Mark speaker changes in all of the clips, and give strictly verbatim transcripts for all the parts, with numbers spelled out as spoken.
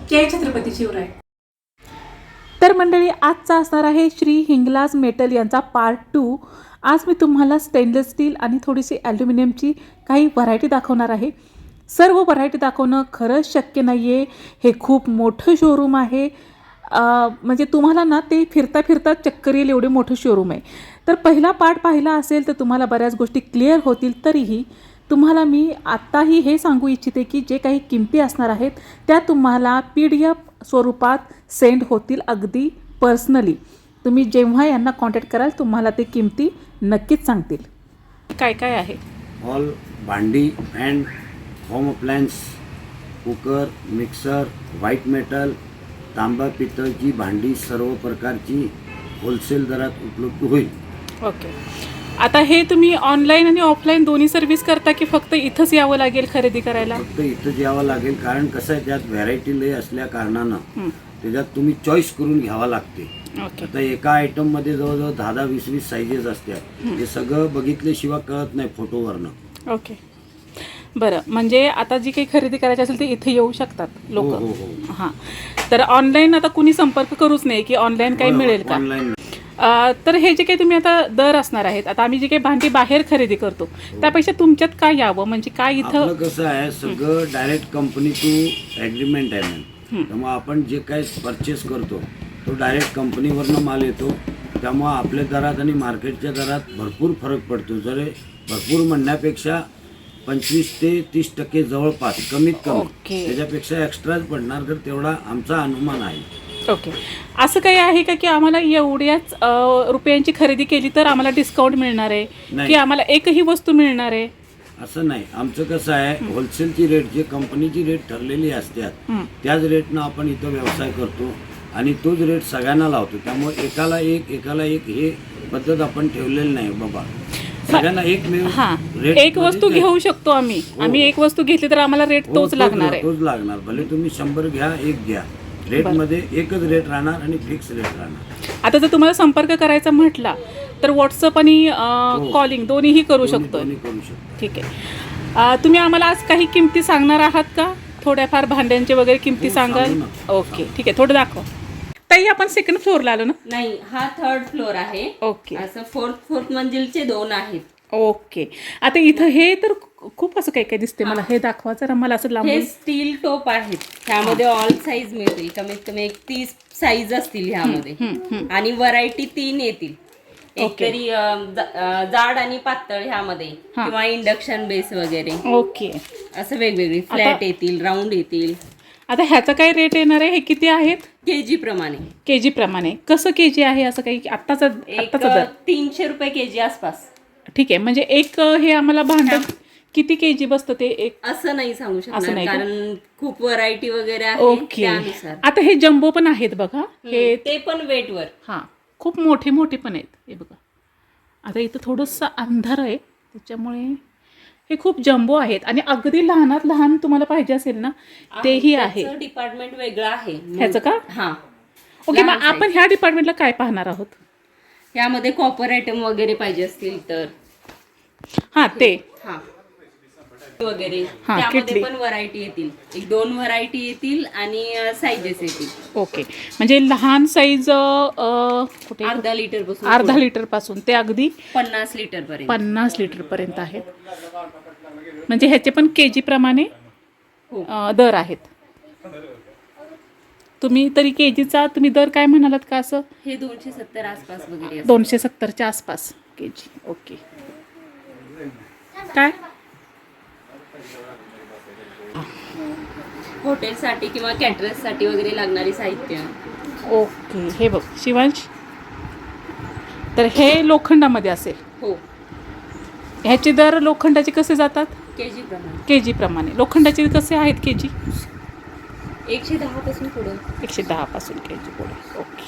Speaker 1: जय छत्रपती शिवराय.
Speaker 2: तर मंडळी, आजचा असणार आहे श्री हिंगलाज मेटल यांचा पार्ट टू. आज मी तुम्हाला स्टेनलेस स्टील आणि थोडीशी ॲल्युमिनियमची काही व्हरायटी दाखवणार आहे. सर्व व्हरायटी दाखवणं खरंच शक्य नाही आहे. हे खूप मोठं शोरूम आहे. म्हणजे तुम्हाला ना ते फिरता फिरता चक्कर येईल एवढे मोठं शोरूम आहे. तर पहिला पार्ट पाहिला असेल तर तुम्हाला बऱ्याच गोष्टी क्लिअर होतील. तरीही तुम्हाला मी आत्ताही हे सांगू इच्छिते की जे काही किमती असणार आहेत त्या तुम्हाला पी डी एफ स्वरूपात सेंड होतील अगदी पर्सनली. तुम्ही जेव्हा यांना कॉन्टॅक्ट कराल तुम्हाला ते किमती नक्कीच सांगतील. काय काय आहे?
Speaker 3: ऑल भांडी and home appliance, cooker, mixer, white metal, तांबा पितळची भांडी सर्व प्रकारची होलसेल दरात उपलब्ध होईल.
Speaker 2: ओके. आता हे तुम्ही ऑनलाईन आणि ऑफलाईन दोन्ही सर्व्हिस करता की फक्त इथंच यावं लागेल खरेदी करायला?
Speaker 3: फक्त इथंच यावं लागेल, कारण कसं आहे त्यात व्हरायटी लय असल्या कारणानं त्याच्यात तुम्ही चॉईस करून घ्यावा लागते.
Speaker 2: ओके.
Speaker 3: आता एका आयटममध्ये जवळजवळ दहा दहा वीस वीस साईजेस असतात. हे सगळं बघितल्याशिवाय कळत नाही फोटोवरनं.
Speaker 2: ओके, बरं. म्हणजे आता जी काही खरेदी करायची असेल ते इथे येऊ शकतात लोक.
Speaker 3: हो, हो, हो.
Speaker 2: हां. तर ऑनलाईन आता कुणी संपर्क करूच नाही की ऑनलाईन काही मिळेल का?
Speaker 3: ऑनलाईन.
Speaker 2: तर हे जे काही तुम्ही आता दर असणार आहेत, आता आम्ही जे काही भांडी बाहेर खरेदी करतो त्यापेक्षा तुमच्यात काय यावं, म्हणजे काय इथं?
Speaker 3: आपलं कसं आहे सगळं डायरेक्ट कंपनी टू ॲग्रीमेंट आहे मॅम. त्यामुळे आपण जे काही परचेस करतो तो डायरेक्ट कंपनीवरनं माल येतो. त्यामुळं आपल्या दरात आणि मार्केटच्या दरात भरपूर फरक पडतो. जर भरपूर म्हणण्यापेक्षा पंचवीस ते तीस टक्के जवळपास कमीत कमी.
Speaker 2: ओके.
Speaker 3: त्याच्यापेक्षा एक्स्ट्राच पडणार, तर तेवढा आमचा अनुमान आहे.
Speaker 2: ओके. असं काही आहे का की आम्हाला एवढ्याच अ, रुपयांची खरेदी केली तर आम्हाला डिस्काउंट मिळणार आहे
Speaker 3: नाही.
Speaker 2: की आम्हाला एकही वस्तू मिळणार आहे?
Speaker 3: असं नाही. आमचं कसं आहे, होलसेलची रेट जे कंपनीची रेट ठरलेली असतात त्याच रेटनं आपण इथं व्यवसाय करतो आणि तोच रेट सगळ्यांना लावतो. त्यामुळे एकाला एक एकाला एक हे पद्धत आपण ठेवलेली नाही बाबा. सगळ्यांना एक मिळून
Speaker 2: हां,
Speaker 3: रेट
Speaker 2: एक वस्तू घेऊ शकतो आम्ही. आम्ही एक वस्तू घेतली तर आम्हाला रेट
Speaker 3: हो,
Speaker 2: तोच लागणार आहे.
Speaker 3: तोच लागणार. भले तुम्ही शंभर घ्या, एक घ्या, रेटमध्ये एकच रेट राहणार आणि फिक्स रेट राहणार.
Speaker 2: आता जर तुम्हाला संपर्क करायचा म्हटला तर व्हॉट्सअप आणि कॉलिंग दोन्हीही करू शकतो.
Speaker 3: दोन्ही करू शकतो.
Speaker 2: ठीक आहे. अ, तुम्ही आम्हाला आज काही किमती सांगणार आहात का? थोड्याफार भांड्यांचे वगैरे किमती
Speaker 3: हो,
Speaker 2: सांगाल?
Speaker 3: सांगू ना.
Speaker 2: ओके, ठीक आहे. थोडं दाखवा. ताई, आपण सेकंड फ्लोअरला आलो ना?
Speaker 4: नाही, हा थर्ड फ्लोर आहे.
Speaker 2: ओके.
Speaker 4: असं फोर्थ फोर्थ मंजिलचे दोन आहेत.
Speaker 2: ओके. आता इथं हे तर खूप असं काही काही दिसते मला. हे दाखवा जरा मला असं
Speaker 4: हे
Speaker 2: लांबून.
Speaker 4: स्टील टोप आहेत. ह्यामध्ये ऑल साईज मिळतील. कमीत कमी एक तीस साईज असतील ह्यामध्ये आणि व्हरायटी तीन येतील. एक तरी अं, ज- अं, जाड आणि पातळ ह्यामध्ये किंवा इंडक्शन बेस वगैरे
Speaker 2: ओके.
Speaker 4: असं वेगवेगळे फ्लॅट येतील, राऊंड येतील.
Speaker 2: आता ह्याचा काय रेट येणार आहे? हे किती आहेत?
Speaker 4: केजी प्रमाणे.
Speaker 2: के जी प्रमाणे. कसं के जी आहे असं काही आत्ताचा
Speaker 4: एक
Speaker 2: आत्ताचा दर?
Speaker 4: तीनशे रुपये केजी आसपास.
Speaker 2: ठीक आहे. म्हणजे एक अ, हे आम्हाला भांडं किती के जी बसतं ते एक?
Speaker 4: असं नाही सांगू
Speaker 2: असं
Speaker 4: शकणार
Speaker 2: नाही का?
Speaker 4: कारण खूप व्हरायटी वगैरे आहे
Speaker 2: ओके.
Speaker 4: त्यानुसार.
Speaker 2: आता हे जम्बो पण आहेत बघा. हे
Speaker 4: ते पण वेटवर.
Speaker 2: हां, खूप मोठे मोठे पण आहेत. हे बघा. आता इथं थोडंसं अंधार आहे त्याच्यामुळे हे खूप जम्बो आहेत आणि अगदी लहानात लहान तुम्हाला पाहिजे असेल ना तेही आहे.
Speaker 4: डिपार्टमेंट वेगळं आहे
Speaker 2: ह्याचं का?
Speaker 4: हा.
Speaker 2: ओके. मग
Speaker 4: लहान
Speaker 2: आपण ह्या डिपार्टमेंटला काय पाहणार आहोत?
Speaker 4: यामध्ये कॉपर आयटम वगैरे पाहिजे असतील तर
Speaker 2: हां, ते
Speaker 4: हा वगैरे
Speaker 2: हा,
Speaker 4: त्यामध्ये
Speaker 2: किटली.
Speaker 4: पण व्हरायटी येतील. एक दोन व्हरायटी येतील आणि साईजेस येतील.
Speaker 2: ओके. म्हणजे लहान साईज कुठे?
Speaker 4: अर्धा लिटर पासून
Speaker 2: अर्धा लिटर पासून ते अगदी
Speaker 4: पन्नास लिटर पर्यंत.
Speaker 2: पन्नास लिटर पर्यंत आहेत. म्हणजे ह्याचे पण के जी प्रमाणे
Speaker 4: हो.
Speaker 2: अ, दर आहेत. तुम्ही तरी के जीचा तुम्ही दर काय म्हणालात का? असं
Speaker 4: हे दोनशे सत्तर आसपास वगैरे असतं.
Speaker 2: दोनशे सत्तरच्या आसपास के जी. ओके. काय?
Speaker 4: हॉटेलसाठी किंवा कॅटरर्ससाठी वगैरे लागणारी साहित्य.
Speaker 2: ओके. हे बघ शिवांश, तर हे लोखंडामध्ये असेल.
Speaker 4: हो.
Speaker 2: ह्याचे दर लोखंडाचे कसे जातात?
Speaker 4: केजी प्रमाणे
Speaker 2: के जी प्रमाणे. लोखंडाचे कसे आहेत के जी?
Speaker 4: एकशे दहा पासून पुढं.
Speaker 2: एकशे दहा पासून के जी पुढे. ओके.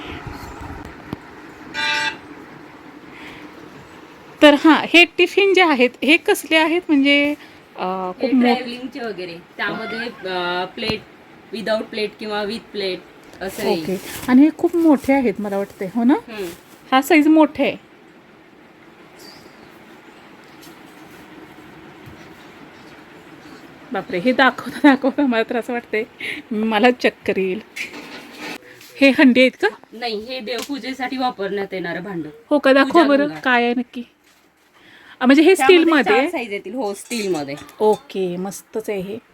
Speaker 2: तर हां, हे टिफिन जे आहेत हे कसले आहेत? म्हणजे अं, खूप मोठे.
Speaker 4: ट्रॅव्हलिंगचे वगैरे त्यामध्ये प्लेट विदाउट प्लेट किंवा विथ प्लेट असं
Speaker 2: ओके. आणि हे खूप मोठे आहेत मला वाटते, हो ना?
Speaker 4: येईल.
Speaker 2: हा साईज मोठे आहे. बापरे, हे दाखवता दाखवता मला तर असं वाटतंय मला चक्कर येईल. हे हंडी आहेत का?
Speaker 4: नाही, हे देवपूजेसाठी वापरण्यात येणारं भांड.
Speaker 2: हो का, दाखवा बरं
Speaker 4: पूजागंगा.
Speaker 2: काय आहे नक्की. अं, म्हणजे हे स्टील मध्ये.
Speaker 4: साईज येतील. हो, स्टील मध्ये.
Speaker 2: ओके, मस्तच आहे हे.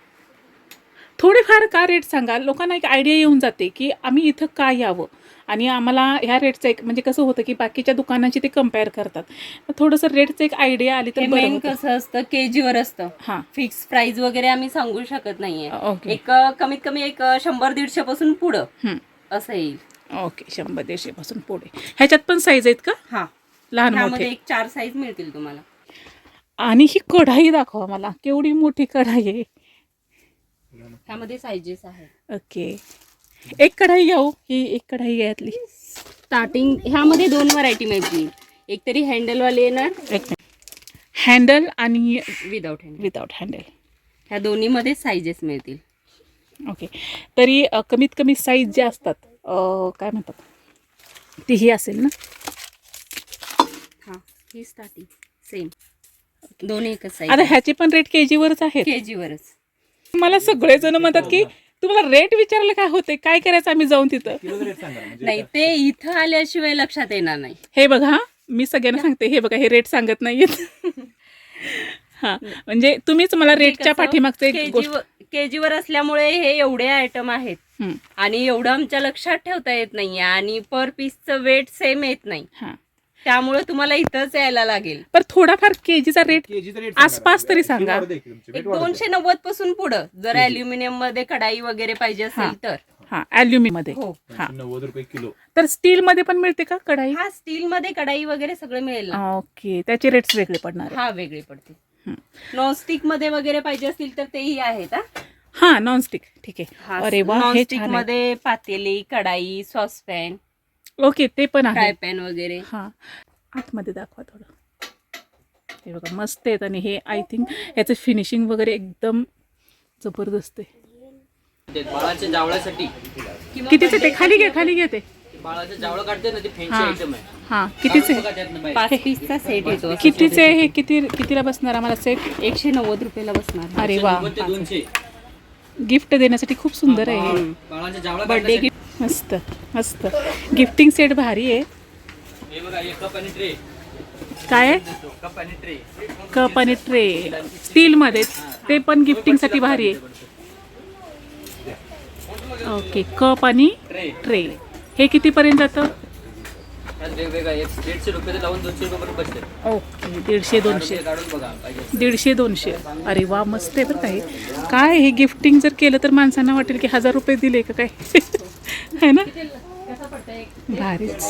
Speaker 2: थोडेफार का रेट सांगा, लोकांना एक आयडिया येऊन जाते की आम्ही इथं का यावं आणि आम्हाला ह्या रेटचं एक म्हणजे कसं होतं की बाकीच्या दुकानांची ते कम्पेअर करतात. थोडंसं रेटचं एक आयडिया आली तर बरं
Speaker 4: मेन
Speaker 2: होतं.
Speaker 4: कसं असतं, केजीवर असतं.
Speaker 2: हां,
Speaker 4: फिक्स प्राइस वगैरे आम्ही सांगू शकत नाहीये.
Speaker 2: ओके.
Speaker 4: एक अ, कमीत कमी एक अ, शंभर दीडशे पासून पुढं
Speaker 2: हं.
Speaker 4: असं येईल.
Speaker 2: ओके, शंभर दीडशे पासून पुढे. ह्याच्यात पण साईज आहेत का?
Speaker 4: हा,
Speaker 2: लहान
Speaker 4: ह्यामध्ये
Speaker 2: मोठे.
Speaker 4: एक चार साईज मिळतील तुम्हाला.
Speaker 2: आणि ही कढाई दाखवा मला, केवढी मोठी कढाई आहे.
Speaker 4: ह्यामध्ये साईजेस आहेत.
Speaker 2: ओके, एक कढाई घ्या हो. ही एक कढाई आहे यातली.
Speaker 4: स्टार्टिंग ह्यामध्ये दोन व्हरायटी मिळतील. एक तरी हँडलवाली येणार,
Speaker 2: एक मिनिट, हँडल आणि
Speaker 4: विदाउट हँडल.
Speaker 2: Without handle.
Speaker 4: ह्या दोन्हीमध्ये साईजेस मिळतील.
Speaker 2: ओके, तरी अ, कमीत कमी साईज ज्या असतात अ, काय म्हणतात ती ही असेल ना?
Speaker 4: हा, ही स्टार्टिंग सेम, दोन्ही एकच
Speaker 2: आता
Speaker 4: साईज.
Speaker 2: ह्याचे पण रेट केजीवरच आहेत.
Speaker 4: केजीवरच.
Speaker 2: मला सगळेजण म्हणतात की तुम्हाला रेट विचारलं काय होते, काय करायचं आम्ही जाऊन तिथं.
Speaker 4: नाही, ते इथं आल्याशिवाय लक्षात येणार नाही.
Speaker 2: हे बघा हा, मी सगळ्यांना सांगते, हे बघा हे रेट सांगत नाहीयेत. हा, म्हणजे तुम्हीच मला रेटच्या पाठीमागचं एक गोष्ट.
Speaker 4: केजीवर असल्यामुळे हे एवढे आयटम आहेत
Speaker 2: हं,
Speaker 4: आणि एवढं आमच्या लक्षात ठेवता येत नाहीये आणि पर पीसचं वेट सेम येत नाही.
Speaker 2: हा.
Speaker 4: त्यामुळे तुम्हाला इथंच यायला लागेल.
Speaker 2: पण थोडाफार केजीचा रेट आसपास तरी सांगा.
Speaker 4: एक दोनशे नव्वद पासून पुढं जर अल्युमिनियम मध्ये कढाई वगैरे पाहिजे असेल तर.
Speaker 2: हा, अल्युमिनियम मध्ये.
Speaker 4: हो.
Speaker 2: हा,
Speaker 1: नव्वद रुपये किलो.
Speaker 2: तर स्टील मध्ये पण मिळते का कढाई?
Speaker 4: हा, स्टील मध्ये कढाई वगैरे सगळं मिळेल ना.
Speaker 2: ओके, त्याचे रेट्स वेगळे पडणार आहे.
Speaker 4: हा, वेगळे पडते.
Speaker 2: हं.
Speaker 4: नॉनस्टिक मध्ये वगैरे पाहिजे असतील तर तेही आहेत. हा,
Speaker 2: हा, नॉनस्टिक. ठीक आहे. अरे वा, हे
Speaker 4: नॉनस्टिक
Speaker 2: छान आहे.
Speaker 4: मध्ये पातेली, कढाई, सॉसपॅन,
Speaker 2: ओके, ते पण आहे.
Speaker 4: फ्राय पॅन वगैरे.
Speaker 2: हा, आतमध्ये दाखवा थोडं. हे बघा मस्त आहेत आणि हे आय थिंक याचं फिनिशिंग वगैरे एकदम जबरदस्त आहे.
Speaker 5: ते बाळाच्या जावळासाठी
Speaker 4: किंवा
Speaker 2: कितीचे ते? खाली घे, खाली घे ते.
Speaker 5: बाळाचं जावळ काढते ना ते फॅन्सी
Speaker 2: हा.
Speaker 5: आयटम आहे.
Speaker 2: हा, कितीचे?
Speaker 5: बघा त्यातनं बाहेर.
Speaker 4: पाच पीसचा सेट येतो.
Speaker 2: कितीचे हे? किती कितीला बसणार आम्हाला सेट?
Speaker 4: एकशे नव्वद रुपयाला बसणार.
Speaker 2: अरे वा,
Speaker 5: नव्वद ते दोनशे.
Speaker 2: गिफ्ट देण्यासाठी खूप सुंदर आहे हे.
Speaker 5: बाळाच्या जावळा
Speaker 4: बर्थडे
Speaker 5: काढण्यासाठी.
Speaker 2: मस्त मस्त गिफ्टिंग सेट भारी आहे.
Speaker 5: हे बघा, एक कप आणि ट्रे.
Speaker 2: काय आहे?
Speaker 5: कप आणि ट्रे.
Speaker 2: कप आणि ट्रे स्टील मध्ये, ते पण गिफ्टिंग साठी भारी आहे. ओके, कप आणि
Speaker 5: ट्रे.
Speaker 2: ट्रे हे कितीपर्यंत जातं?
Speaker 5: त्यात वेगवेगळा एक दीडशे रुपये लावून दोनशे रुपये पर्यंत बसते.
Speaker 2: ओके, दीडशे दोनशे.
Speaker 5: काढून बघा पाहिजे.
Speaker 2: दीडशे दोनशे. अरे वा, मस्त आहे बरं काय. काय हे गिफ्टिंग जर केलं तर माणसांना वाटेल की हजार रुपये दिले का काय. है ना, भारीच.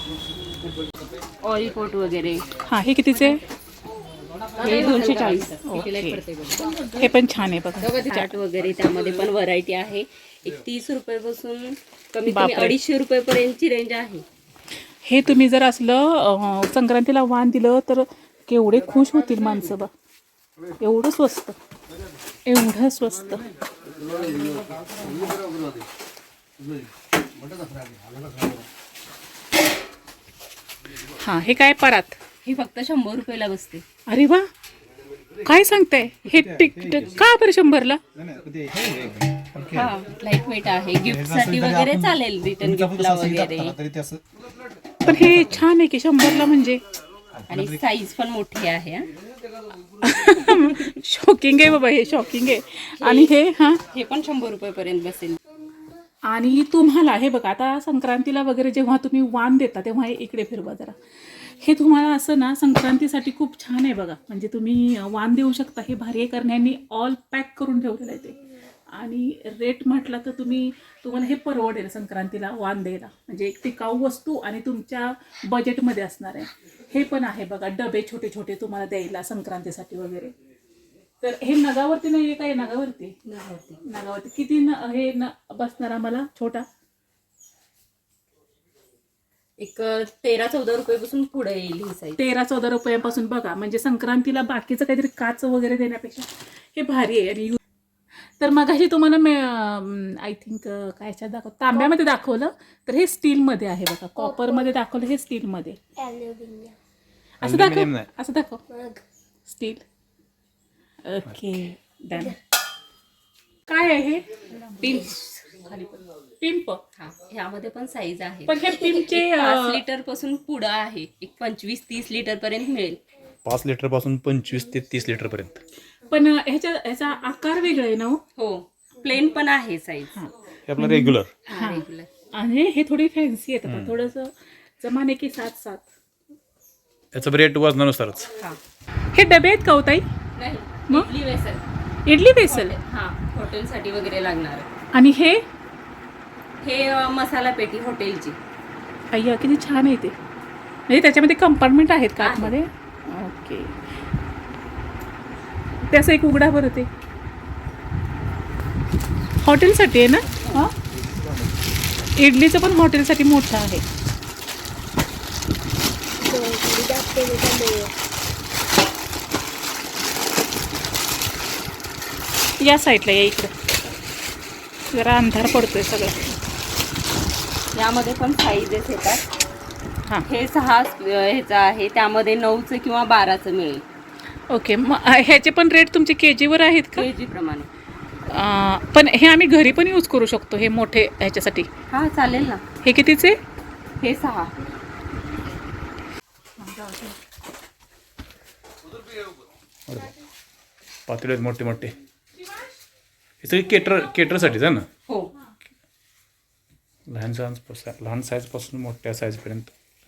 Speaker 4: ऑरिकोट वगैरे
Speaker 2: हा, हे कितीचे?
Speaker 4: हे दोनशे चाळीस.
Speaker 2: ओके, हे पण छान आहे बघा.
Speaker 4: चाट वगैरे त्यामध्ये पण व्हरायटी आहे. एक तीस रुपयापासून कमीत कमी
Speaker 2: बापरे.
Speaker 4: अडीचशे रुपयेपर्यंतची रेंज आहे.
Speaker 2: हे तुम्ही जर असलं अं, संक्रांतीला वाण दिलं तर केवढे खुश होतील माणसं बा. एवढं स्वस्त, एवढं स्वस्त. हा, हे काय परात?
Speaker 4: ही फक्त शंभर रुपयाला बसते.
Speaker 2: अरे वा, काय सांगताय? हे टिक टिक- का बरं शंभरला?
Speaker 4: हा, लाईट वेट आहे. गिफ्ट साठी वगैरे चालेल, रिटर्न गिफ्टला वगैरे.
Speaker 2: पण हे छान आहे की शंभरला म्हणजे.
Speaker 4: आणि साईज पण मोठी आहे. हा.
Speaker 2: शॉकिंग आहे बाबा, हे शॉकिंग आहे. आणि हे हा,
Speaker 4: हे पण शंभर रुपयेपर्यंत बसेल.
Speaker 2: आणि तुम्हाला हे बघा, आता संक्रांतीला वगैरे जेव्हा तुम्ही वाण देता तेव्हा हे इकडे फिरवा जरा. हे तुम्हाला असं ना संक्रांतीसाठी खूप छान आहे बघा. म्हणजे तुम्ही वाण देऊ शकता. हे भारी करण्यानी ऑल पॅक करून ठेवलेलं आहे ते. आणि रेट म्हटलं तर तुम्ही तुम्हाला हे परवडेल संक्रांतीला वाण द्यायला. म्हणजे एक टिकाऊ वस्तू आणि तुमच्या बजेटमध्ये असणार आहे. हे पण आहे बघा, डबे छोटे छोटे तुम्हाला द्यायला संक्रांतीसाठी वगैरे. तर हे नगावरती नाही आहे काय? नगावरती नगावरती नगावरती किती न हे न बसणार आम्हाला छोटा?
Speaker 4: एक तेरा चौदा रुपयापासून पुढे येईल ही साईज.
Speaker 2: तेरा चौदा रुपयापासून बघा. म्हणजे संक्रांतीला बाकीचं काहीतरी काच वगैरे देण्यापेक्षा हे भारी आहे. आणि तर मगाशी तुम्हाला मी आय थिंक काय ह्याच्यात दाखव तांब्यामध्ये दाखवलं, तर हे स्टीलमध्ये आहे बघा. कॉपरमध्ये दाखवलं, हे स्टीलमध्ये. असं दाखव, असं दाखव, स्टील. Okay, done. काय आहे हे?
Speaker 4: पिंप खाली पण.
Speaker 2: पिंप.
Speaker 4: हा ह्यामध्ये पण साईज आहे.
Speaker 2: पण हे पिंपचे
Speaker 4: एक पाच लिटर पासून पुढं आहे, एक पंचवीस तीस लिटर पर्यंत मिळेल.
Speaker 1: पाच लिटर पासून पंचवीस ते तीस लिटर पर्यंत.
Speaker 2: पण ह्याच्या ह्याचा आकार वेगळा आहे ना हो?
Speaker 4: हो प्लेन पण आहे साईज.
Speaker 1: हे आपलं रेग्युलर.
Speaker 4: रेग्युलर.
Speaker 2: आणि हे थोडी फॅन्सी येतात थोडंसं जमाने की साथ साथ.
Speaker 1: याचं रेट वजनानुसारच.
Speaker 4: हा
Speaker 2: हे डबे आहेत का हो ताई?
Speaker 4: नाही
Speaker 2: मग?
Speaker 4: इडली वेसल.
Speaker 2: इडली बेसल.
Speaker 4: हा हॉटेलसाठी वगैरे लागणार.
Speaker 2: आणि हे
Speaker 4: हे अ, मसाला पेटी हॉटेलची.
Speaker 2: अय्या किती छान आहे ते. म्हणजे त्याच्यामध्ये कंपार्टमेंट आहेत का आतमध्ये? ओके. त्याचं एक उघडा बरं ते हॉटेलसाठी आहे ना? हां इडलीचं पण हॉटेलसाठी मोठं आहे. या साईडला या इकडं जरा अंधार पडतोय सगळं.
Speaker 4: यामध्ये पण साईजेस येतात.
Speaker 2: हां
Speaker 4: हे सहा अ, ह्याचं आहे, त्यामध्ये नऊचं किंवा बाराचं मिळेल.
Speaker 2: ओके. मग ह्याचे पण रेट तुमचे के जीवर आहेत का?
Speaker 4: केजी प्रमाणे.
Speaker 2: अं, पण हे आम्ही घरी पण यूज करू शकतो हे मोठे ह्याच्यासाठी.
Speaker 4: हा चालेल ना.
Speaker 2: हे कितीचे?
Speaker 4: हे सहा.
Speaker 1: पातेले आहेत मोठे मोठे. हे सगळे केटर केटरसाठीच आहे ना.
Speaker 4: हो
Speaker 1: लहान साईज लहान साईजपासून मोठ्या साईजपर्यंत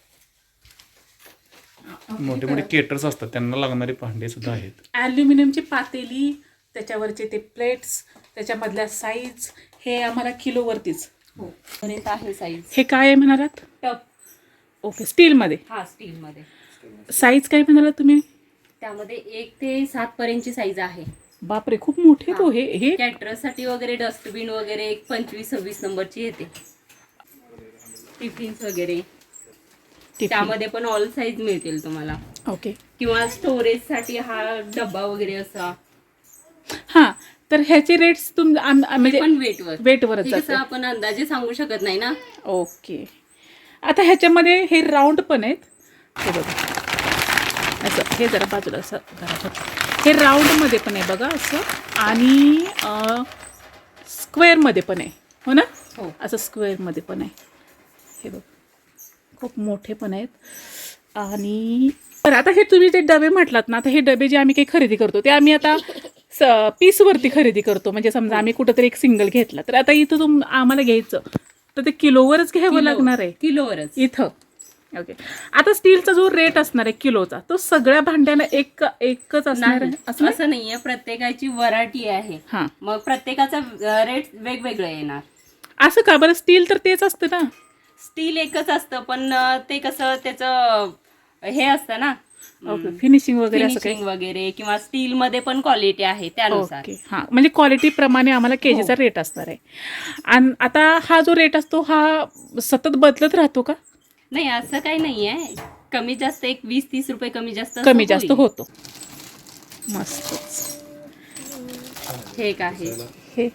Speaker 1: मोठे मोठे केटर्स असतात, त्यांना लागणारे भांडे सुद्धा आहेत.
Speaker 2: ॲल्युमिनियमची पातेली, त्याच्यावरचे ते प्लेट्स, त्याच्यामधल्या साईज हे आम्हाला किलोवरतीच.
Speaker 4: हो पर्यंत आहे साईज.
Speaker 2: हे काय आहे म्हणालात?
Speaker 4: टप.
Speaker 2: ओके. स्टीलमध्ये.
Speaker 4: हा स्टीलमध्ये.
Speaker 2: साईज काय म्हणालात तुम्ही?
Speaker 4: त्यामध्ये एक ते सात पर्यंतची साईज आहे.
Speaker 2: बापरे खूप मोठे तो हे हे
Speaker 4: कॅटरसाठी वगैरे डस्टबिन वगैरे एक पंचवीस सव्वीस नंबरची येते. टिफिन्स वगैरे
Speaker 2: टिफिन.
Speaker 4: त्यामध्ये पण ऑल साईज मिळतील तुम्हाला.
Speaker 2: ओके.
Speaker 4: किंवा स्टोरेजसाठी हा डब्बा वगैरे असा.
Speaker 2: हां तर ह्याचे रेट्स तुम आम- आम- म्हणजे
Speaker 4: पण वेटवर
Speaker 2: वेटवरच
Speaker 4: हे
Speaker 2: जातं.
Speaker 4: कसं आपण अंदाजे सांगू शकत नाही ना.
Speaker 2: ओके. आता ह्याच्यामध्ये हे राऊंड पण आहेत. हे बघा असं हे जरा बाजूला असं करा. हे राऊंडमध्ये पण आहे बघा असं आणि स्क्वेअरमध्ये पण आहे हो ना.
Speaker 4: हो.
Speaker 2: असं स्क्वेअरमध्ये पण आहे. हे बघ खूप मोठे पण आहेत. आणि बरं आता हे तुम्ही जे डबे म्हटलात ना, आता हे डबे जे आम्ही काही खरेदी करतो ते आम्ही आता स पीसवरती खरेदी करतो. म्हणजे समजा आम्ही कुठंतरी एक सिंगल घेतला तर आता इथं तुम आम्हाला घ्यायचं तर ते किलोवरच घ्यावं लागणार आहे
Speaker 4: किलोवरच
Speaker 2: इथं. ओके. आता स्टीलचा जो रेट असणार आहे किलोचा तो सगळ्या भांड्याला एक एकच असणार
Speaker 4: नाही.
Speaker 2: आहे असं
Speaker 4: असं नाहीये, प्रत्येकाची व्हरायटी आहे.
Speaker 2: हां
Speaker 4: मग प्रत्येकाचा रेट वेगवेगळं येणार.
Speaker 2: असं का बरं? स्टील तर तेच असतं ना.
Speaker 4: स्टील एकच असतं पण अं, ते कसं त्याचं हे असतं ना
Speaker 2: ओके. फिनिशिंग वगैरे असं काही.
Speaker 4: फिनिशिंग वगैरे किंवा स्टील मध्ये पण क्वालिटी आहे त्यानुसार.
Speaker 2: ओके. हां म्हणजे क्वालिटी प्रमाणे आम्हाला केजीचा रेट असणार आहे. आणि आता हा जो रेट असतो हा सतत बदलत राहतो का?
Speaker 4: नाही असं काही नाहीये. कमी जास्त एक वीस तीस रुपये कमी जास्त असं
Speaker 2: कमी जास्त
Speaker 4: होईल.
Speaker 2: होतो. मस्तच.
Speaker 4: हे एक आहे.
Speaker 2: हे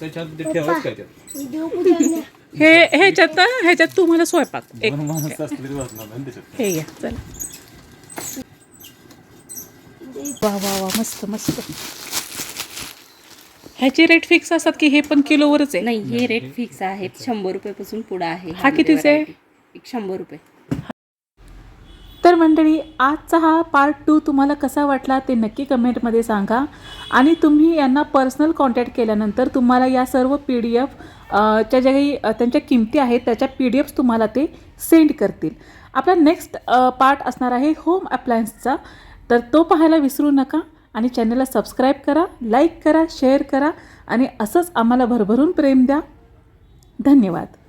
Speaker 2: हे ह्याच्यात ह्याच्यात तुम्हाला स्वयंपाक एक हे घ्या चला. वा वा वा मस्त मस्त. ह्याचे रेट फिक्स असतात की हे पण किलोवरच आहे?
Speaker 4: नाही हे रेट फिक्स आहेत. शंभर रुपये पासून पुढे आहे.
Speaker 2: हा कितीचा आहे?
Speaker 4: एक शंभर रुपये.
Speaker 2: तर मंडळी आजचा हा पार्ट टू तुम्हाला कसा वाटला ते नक्की कमेंटमध्ये सांगा. आणि तुम्ही यांना पर्सनल कॉन्टॅक्ट केल्यानंतर तुम्हाला या सर्व पी डी एफ च्या ज्या काही अ, त्यांच्या किमती आहेत त्याच्या पी डी एफ्स तुम्हाला ते सेंड करतील. आपला नेक्स्ट पार्ट असणार आहे होम अप्लायन्सचा. तर तो पाहायला विसरू नका आणि चॅनलला सबस्क्राईब करा, लाईक करा, शेअर करा आणि असंच आम्हाला भरभरून प्रेम द्या. धन्यवाद.